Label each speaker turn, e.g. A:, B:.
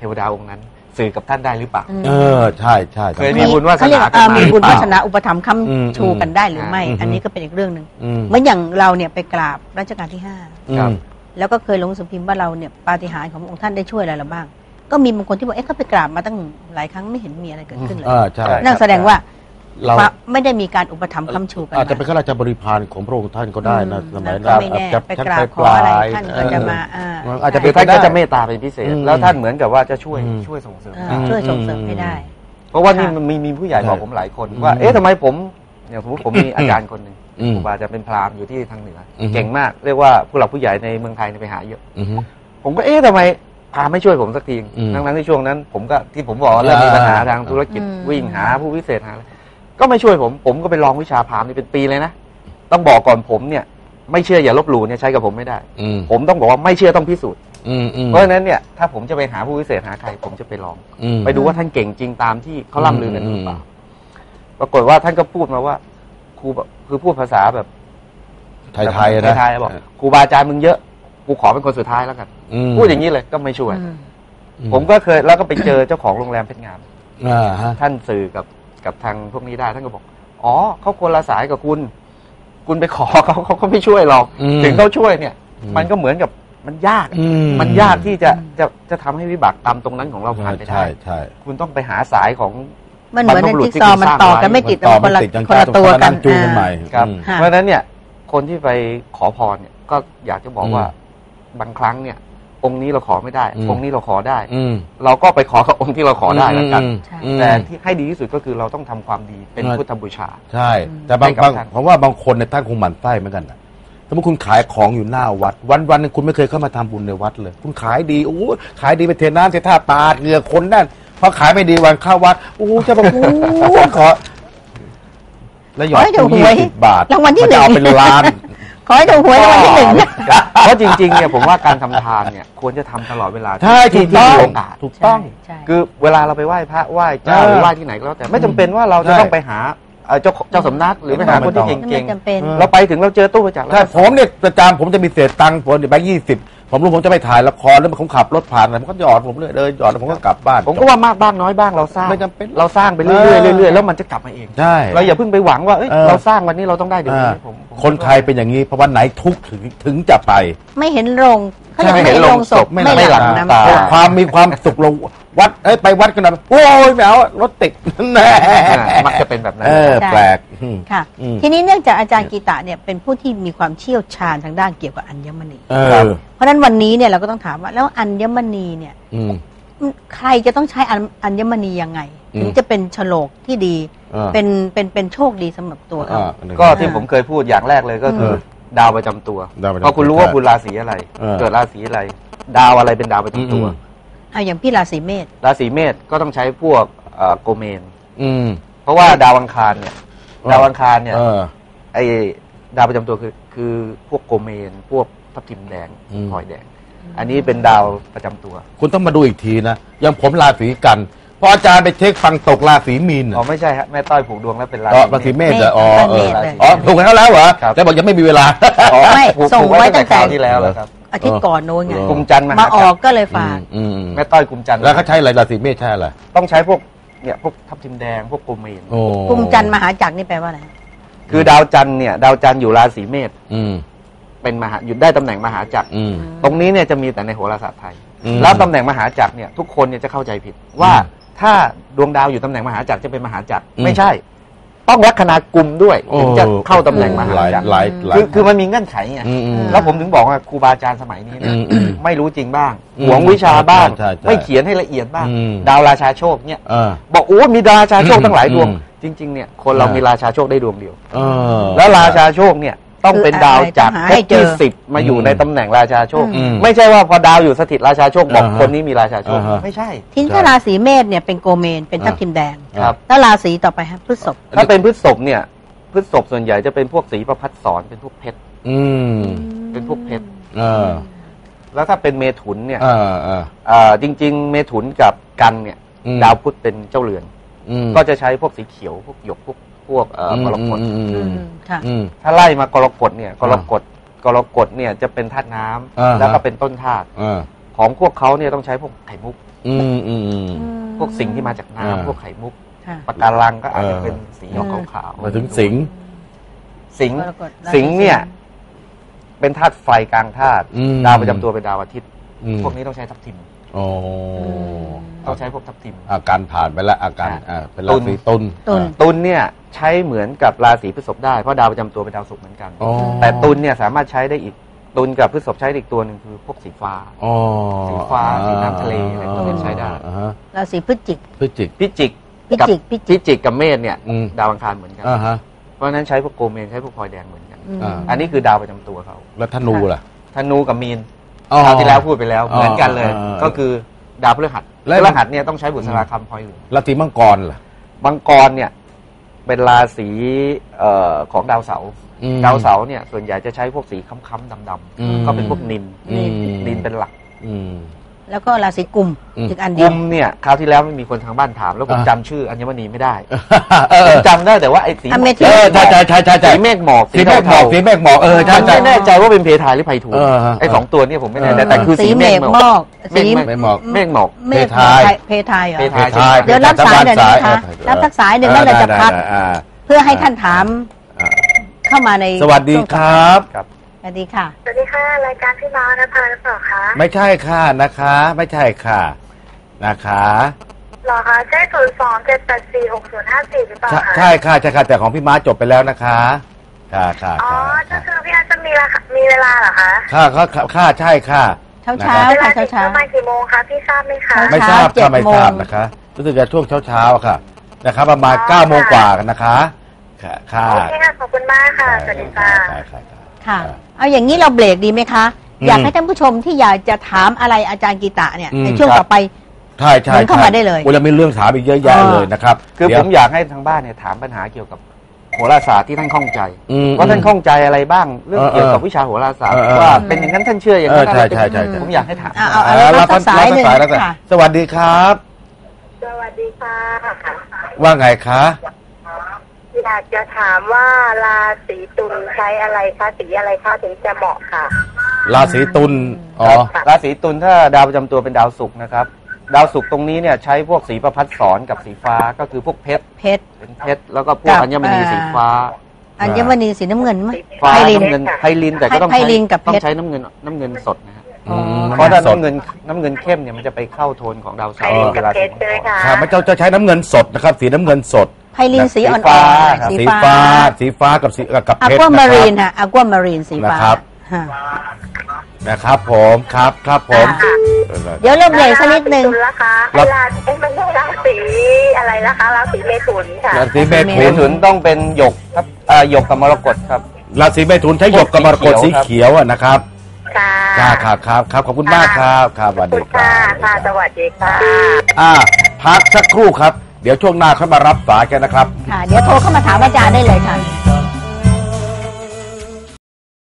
A: ทวดาองค์นั้นสื่อกับท่านได้หรือเปล่า
B: ใช่ใช่
A: เคยมีบุญวาสนา
C: มีบุญวาสนาอุปถัมภ์ค้ำชูกันได้หรือไม่อันนี้ก็เป็นอีกเรื่องหนึ่งเหมือนอย่างเราเนี่ยไปกราบรัชกาลที่5แล้วก็เคยลงสือพิมพ์ว่าเราเนี่ยปาฏิหาริย์ขององค์ท่านได้ช่วยอะไรเราบ้างก็มีบางคนที่บอกเขาไปกราบมาตั้งหลายครั้งไม่เห็นมีอะไรเกิดขึ้นเลยนั่นแสดงว่าเราไม่ได้มีการอุปถัมภ์ค้ำชูกัน
B: อาจจะเป็นข้าราชบริพารของพระองค์ท่านก็ได้นะสมัย
C: นั้นไปกราบขออะไรท่านก็จะมา
A: อาจจะเป็นท่านก็จะเมตตาเป็นพิเศษแล้วท่านเหมือนกับว่าจะช่วยส่งเสริม
C: ให้ได้
A: เพราะว่านี่มันมีผู้ใหญ่บอกผมหลายคนว่าทำไมผมอย่างสมมติผมมีอาจารย์คนหนึ่งครูบาอาจารย์เป็นพราหมณ์อยู่ที่ทางเหนือเก่งมากเรียกว่าผู้หลักผู้ใหญ่ในเมืองไทยไปหาเยอะผมก็ทำไมพาไม่ช่วยผมสักทีทั้งที่ช่วงนั้นผมก็ที่ผมบอกเริ่มมีปัญหาทางธุรกิจวิ่งหาผู้พิเศษหาก็ไม่ช่วยผมก็ไปลองวิชาพราหมณ์นี่เป็นปีเลยนะต้องบอกก่อนผมเนี่ยไม่เชื่ออย่าลบหลู่เนี่ยใช้กับผมไม่ได้ผมต้องบอกว่าไม่เชื่อต้องพิสูจน์เพราะฉะนั้นเนี่ยถ้าผมจะไปหาผู้พิเศษหาใครผมจะไปลองไปดูว่าท่านเก่งจริงตามที่เขาล่ำลือกันหรือเปล่าปรากฏว่าท่านก็พูดมาว่าครูคือพูดภาษาแบบ
B: ไทยๆนะ
A: ไทยๆบอกครูบาอาจารย์มึงเยอะกูขอเป็นคนสุดท้ายแล้วกันพูดอย่างนี้เลยก็ไม่ช่วยผมก็เคยแล้วก็ไปเจอเจ้าของโรงแรมเพชรงามท่านสื่อกับทางพวกนี้ได้ท่านก็บอกอ๋อเขาคนละสายกับคุณไปขอเขาไม่ช่วยหรอกถึงเขาช่วยเนี่ยมันก็เหมือนกับมันยากที่จะทำให้วิบากกรรมตรงนั้นของเราผ่านไปได้คุณต้องไปหาสายของ
C: มันเหมือนในจิ๊กซอว์มันต่อกันไม่ติดคนละตัวกัน
B: จูกันใหม่
A: ครับเพราะฉะนั้นเนี่ยคนที่ไปขอพรเนี่ยก็อยากจะบอกว่าบางครั้งเนี่ยองค์นี้เราขอไม่ได้องค์นี้เราขอได้เราก็ไปขอกับองค์ที่เราขอได้แล้วกันแต่ที่ให้ดีที่สุดก็คือเราต้องทำความดีเป็นพุทธบูชา
B: ใช่แต่บางเพราะว่าบางคนในท่านคงหมั่นไส้เหมือนกันนะสมมติคุณขายของอยู่หน้าวัดวันนึงคุณไม่เคยเข้ามาทำบุญในวัดเลยคุณขายดีโอ้ขายดีไปเทน้ำเทท่าปาดเหงื่อคนนั่นพอขายไม่ดีวันเข้าวัดโอ้จะแบบขอแล้วหยอด20 บาท
C: รางวัลที่1
B: เอาเป็นล้าน
C: ขอให้ถูกหวยรางวัลที่1
A: เพราะจริงๆเนี่ยผมว่าการทำทานเนี่ยควรจะทำตลอดเวลา
B: ที่มีโอกาส
A: ถูกต้องคือเวลาเราไปไหว้พระไหว้เจ้าหรือไหว้ที่ไหนก็แล้วแต่ไม่จำเป็นว่าเราจะต้องไปหาเจ้าสำนักหรือไปหาคนที่เก่งๆเราไปถึงเราเจอตู้บริจาค
B: แล้วผมเนี่ยประจำผมจะมีเศษตังค์ผมแบงค์20ผมรู้ผมจะไปถ่ายละครแล้วผมขับรถผ่านอะไรผมก็หยอดผมเลยหยอดแล้วผมก็กลับบ้าน
A: ผมก็ว่ามากบ้างน้อยบ้างเราสร้าง
B: ไม่จำเป็น
A: เราสร้างไปเรื่อยๆแล้วมันจะกลับมาเอง
B: ใช่
A: เราอย่าเพิ่งไปหวังว่าเราสร้างวันนี้เราต้องได้เดี๋ยวนี้
B: คนไทยเป็นอย่างนี้เพราะวันไหนทุกข์ถึงจะไป
C: ไม่เห็นโรง
A: ไม่เห็นโรงศพไม่หลั่งน้ำตา
B: ความมีความสุขเราวัดไปวัดกันนะโอ้ยไม่เอารถติดแน่
A: มักจะเป็นแบบนั้น
B: แปลก
C: ค่ะทีนี้เนื่องจากอาจารย์กีตะเนี่ยเป็นผู้ที่มีความเชี่ยวชาญทางด้านเกี่ยวกับอัญมณีเพราะฉะนั้นวันนี้เนี่ยเราก็ต้องถามว่าแล้วอัญมณีเนี่ยใครจะต้องใช้อัญมณียังไงถึงจะเป็นโฉลกที่ดีเป็นโชคดีสำหรับตัวเขา
A: ก็ที่ผมเคยพูดอย่างแรกเลยก็คือดาวประจำตัวพอคุณรู้ว่าคุณราศีอะไรเกิดราศีอะไรดาวอะไรเป็นดาวประจำตัว
C: อย่างพี่ราศีเมษ
A: ก็ต้องใช้พวกโกเมนเพราะว่าดาวอังคารเนี่ยไอดาวประจำตัวคือพวกโกเมนพวกทับทิมแดงพลอยแดงอันนี้เป็นดาวประจำตัว
B: คุณต้องมาดูอีกทีนะอย่างผมราศีกันพออาจารย์ไปเช็คฟังตกราศีมีน
A: ไม่ใช่ฮะแม่ต้อยผูกดวงแล้วเป็นรา
B: ศีเมษถูกแล้วเหรอแต่บอกยังไม่มีเวลา
C: ไม่ส่งไว้ตั้งแต่
A: ที่แล้วครับ
C: อาทิตย์ก่อนโน้นไง
A: กุมจันทร์
C: มาออกก็เลยฝาก
A: แม่ต้อยกุมจันทร์
B: แล้วเขาใช้อะไรราศีเมษใช่อะไร
A: ต้องใช้พวกทับทิมแดงพวกโกเมน
C: กุมจันทร์มหาจักรนี่แปลว่าอะไร
A: คือดาวจันทร์อยู่ราศีเมษเป็นอยู่ได้ตำแหน่งมหาจักรตรงนี้เนี่ยจะมีแต่ในโหราศาสตร์ไทยแล้วตำแหน่งมหาจักรเนี่ยทุกคนเนี่ยจะเข้าใจผิดว่าถ้าดวงดาวอยู่ตำแหน่งมหาจักรจะเป็นมหาจักรไม่ใช่ต้องลัคนากุมด้วยถึงจะเข้าตำแหน่งมหาจักรคือมันมีเงื่อนไขไงแล้วผมถึงบอกว่าครูบาอาจารย์สมัยนี้เนี่ยไม่รู้จริงบ้างหวงวิชาบ้างไม่เขียนให้ละเอียดบ้างดาวราชาโชคเนี่ยบอกโอ้มีราชาโชคตั้งหลายดวงจริงๆเนี่ยคนเรามีราชาโชคได้ดวงเดียวแล้วราชาโชคเนี่ยต้องเป็นดาวจากภพที่10มาอยู่ในตำแหน่งราชาโชคไม่ใช่ว่าพอดาวอยู่สถิตราชาโชคบอกคนนี้มีราชาโชคไม่ใช่
C: ทีนี้ถ้าราศีเมษเนี่ยเป็นโกเมนเป็นทับทิมแดง
A: ครับ
C: แล้วราศีต่อไปครับพฤษภ
A: ถ้าเป็นพฤษภเนี่ยพฤษภส่วนใหญ่จะเป็นพวกสีประพัดสอนเป็นพวกเพชรเป็นพวกเพชรแล้วถ้าเป็นเมถุนเนี่ยจริงๆเมถุนกับกันเนี่ยดาวพุธเป็นเจ้าเรือนก็จะใช้พวกสีเขียวพวกหยกพวกกรกฎถ้าไล่มากรกฎเนี่ยกรกฎเนี่ยจะเป็นธาตุน้ำแล้วก็เป็นต้นธาตุของพวกเขาเนี่ยต้องใช้พวกไข่มุกพวกสิ่งที่มาจาก
B: อ่า
A: น้ำพวกไข่มุก
C: ค่ะ
A: ปะการังก็อาจจะเป็นสีออกขาว
B: มาถึงสิงห์
A: สิงห์
C: กรกฎราศี
A: สิงห์เนี่ย เป็นธาตุไฟกลางธาตุ
B: อืม
A: ดาวประจำตัวเป็นดาวอาทิตย์
B: อืม
A: พวกนี้ต้องใช้ทับทิม
B: โอ้
A: ต้องใช้พวกทับทิม
B: อาการผ่านไปแล้วอาการเป็น
A: ตุ
B: รา
A: ล
B: ศีตุล
C: ตุล
A: ตุลเนี่ยใช้เหมือนกับราศีพฤษภได้เพราะดาวประจำตัวเป็นดาวศุกร์เหมือนกัน
B: อ๋อ
A: แต่ตุลเนี่ยสามารถใช้ได้อีกตุลกับพฤษภใช้ได้อีกตัวหนึ่งคือพวกสีฟ้า
B: อ๋อ
A: สีฟ้าสีน้ำทะเลอะไรพวกนี้ใช้ได้
B: อ่าฮะ
C: ราศีพฤศจิก
B: พฤศจิก
A: พิจิก
C: พิจิกพิจิก
A: พิจิกกับเมษเนี่ย
B: อืม
A: ดาวอังคารเหมือนกัน
B: อ่าฮะ
A: เพราะฉะนั้นใช้พวกโกเมนใช้พวกพลอยแดงเหมือนกัน
B: อ่า
A: อันนี้คือดาวประจำตัวเขา
B: แล้วธนูล่ะ
A: ธนูกับมีน
B: อ๋อ
A: คราวที่แล้วพูดไปแล้ว
B: อ๋อ
A: เหมือนกันเลย
B: อ่า
A: ก็คือดาวพฤหัส
B: และ
A: พฤหัสเนี่ยต้องใช้บุษราคำพลอยเหลือง
B: ราศีมังกรล่ะ
A: มังกรเนี่ยเป็นราศีของดาวเสาร์
B: อืม
A: ดาวเสาร์เนี่ยส่วนใหญ่จะใช้พวกสีค้ำๆดำ
B: อืม
A: ๆก็เป็นพวกนิน
B: อืม
A: นินเป็นหลัก
B: อืม
C: แล้วก็ราศีกุม
B: อืม
C: อีกอันเดี
A: กุ
C: ยว
A: มเนี่ยคราวที่แล้วไม่มีคนทางบ้านถาม แล้วผม
B: อ่า
A: จำชื่ออัญมณีไม่ได้
B: เออ
A: ผมจำได้แต่ว่าไอ้สี
C: อเมทิ
B: เอ
C: ส
B: อใช่ใช่ใช่ใช่ใช่
A: สีเมฆหมอก
B: สีเมฆหมอกสีเมฆหมอกเออใช่
A: ผม
B: ใช่
A: ไม่แน่ใจว่าเป็นเพทายหรือไพฑูร
B: เอ
A: ย์
B: อฮะ
A: ไอ้สองตัวเนี่ยผมไม่แน่ใจ
B: เออ
A: แต่คือ
C: สี
A: สี
C: เม
A: เมฆ
C: ฆ
A: หม
C: หม
A: อ
C: อก กสี
B: เมฆหมอก
C: เมฆ
B: เพ
C: เพ
B: ทาย
C: เพทายเหรอ
A: เพทาย
B: เพทาย
C: เดี๋ยวรับสายเดี๋ยวนี้นะคะ
B: เออ
C: รับทักสายหนึ่งแล้วเราจะพัก
B: อ่า
C: เพื่อให้ท่านถาม
B: อ่า
C: เข้ามาใน
B: สวัสดีครับ
A: ครับ
C: สวัสดีค่ะ
D: สวัสดีค่ะ รายการพี่ม้านะพาหรือเปล่าคะ
B: ไม่ใช่ค่ะนะคะ ไม่ใช่ค่ะนะคะ
D: หรอคะใช่02-784-6054หรือเปล่า
B: ใช่
D: คะ
B: ใช่ค่ะใช่ค่ะแต่ของพี่ม้าจบไปแล้วนะคะค่ะค่ะ
D: อ๋อ
B: ค่ะ
D: ก็คือพี่อาจจะมีเวลาเหรอคะ
B: ค่ะใช่ค่ะ
C: เช้า
B: นะ
C: เช้า
B: ครับ
D: เวลา
C: ค่ะ
D: ถึ
C: เช้าง เช้า
D: ประมาณกี่โมงคะพี่ทราบไหมคะ
B: ไม่ทราบ
C: เช้า
B: ค่ะไม่ทราบ
C: 7 โมง
B: นะคะรู้สึกจะช่วงเช้าๆค่ะนะครับประมาณ9 โมงกว่ากันนะคะค่ะค่ะ
D: โอเคค่ะ ขอบคุณมากค่ะ สวัสดีค่ะ
C: ค่ะ เอาอย่างนี้เราเบรกดีไหมคะ อยากให้ท่านผู้ชมที่อยากจะถามอะไรอาจารย์กีตะเนี่ยในช่วงต่อไป
B: ใช่ใช่
C: เดินเข้ามาได้เลย
B: โอ้ยมีเรื่องถามอีกเยอะแยะเลยนะครับ
A: คือ
B: เดี๋
A: ผ
B: ยว
A: มอยากให้ทางบ้านเนี่ยถามปัญหาเกี่ยวกับโหราศาสตร์ที่ท่านข้องใจ
B: อืม
A: ว่าท่านข้องใจอะไรบ้างเรื่อง
B: เออ
A: เกี่ยวกับวิชาโหราศาสตร์
B: เออ
A: ว่าเป็นอย่างนั้นท่านเชื่ออย่างนั้น
B: ใช่
A: อะไรเป็น
B: ใช่ใช่ใช่
A: ผมอยากให้ถาม
C: เอารับทักสายหนึ่ง
B: รับสาย
C: ค่ะ
B: สวัสดีครับ
D: สวัสดีค่ะ
B: ว่าไงคะ
D: อยากจะถามว่าราศีตุลใช้อะไรคะสีอะไรคะถึงจะเหมาะค่ะ
B: ราศีตุลอ๋อ
A: ราศีตุลถ้าดาวประจำตัวเป็นดาวศุกร์นะครับดาวศุกร์ตรงนี้เนี่ยใช้พวกสีประพัดสอนกับสีฟ้าก็คือพวกเพชร
C: เพชร
A: เป็นเพชรแล้วก็พวก
C: กับ
A: อัญมณีสีฟ้า
C: อัญมณีสีน้ำเงินไหม
A: ฟ้า
C: ไพลิน
A: น้ำเงินไพลินแต่ก็ต้อง
C: ไพลินกับเพชร
A: ต้องใช้น้ำเงินสดนะฮะ
B: อืม
A: เพราะถ้า
B: สด
A: น้ำเงินเข้มเนี่ยมันจะไปเข้าโทนของดาวเสา
D: ไพ
A: ร์
D: ลิน
A: เว
D: กับ
A: ลา
D: เพ
A: สี
D: ชรใช่ไหมคะ
B: ครับมันจะใช้น้ำเงินสดนะครับ สีน้ำเงินสด
C: ไพลินสีอ่อน
A: ฟ้า
C: ๆ
A: ครับ
C: สี
B: สี
C: ฟ้า
B: ฟ้าสีฟ้ากับสีกับ
C: อะ
B: เพชร
C: กัวมารีน
B: นะครับ
C: ฮะอะกัวมารีนสีฟ้า
B: นะครับ
C: ฮะ
B: นะครับผมครับผม
C: ค่ะ เดี๋ยวเราเบรกสักนิดนึง
D: ราศีตุลละคะ
B: ครับ
D: ราศีไม่ใช่ราศีอะไรนะคะราศีเมถุนค่ะ
B: ราศีเม
A: เม
B: ถุน
A: ถุนต้องเป็นหยกครับหยกกับมรกตครับ
B: ราศีเมถุนใช้หยกกับมรกตสีเขียวอะนะครับ
D: ค่ะ
B: ครับขอบคุณมากครับครับสวัส
D: ขอบ
B: ดี
D: คุณ
B: ครั
D: ค่ะ
B: บ
D: สวัสดีค่ะ
B: พักสักครู่ครับ เดี๋ยวช่วงหน้าค่อยมารับสายกันนะครับ
C: ค่ะ เดี๋ยวโทรเข้ามาถามอาจารย์ได้เลยค่ะ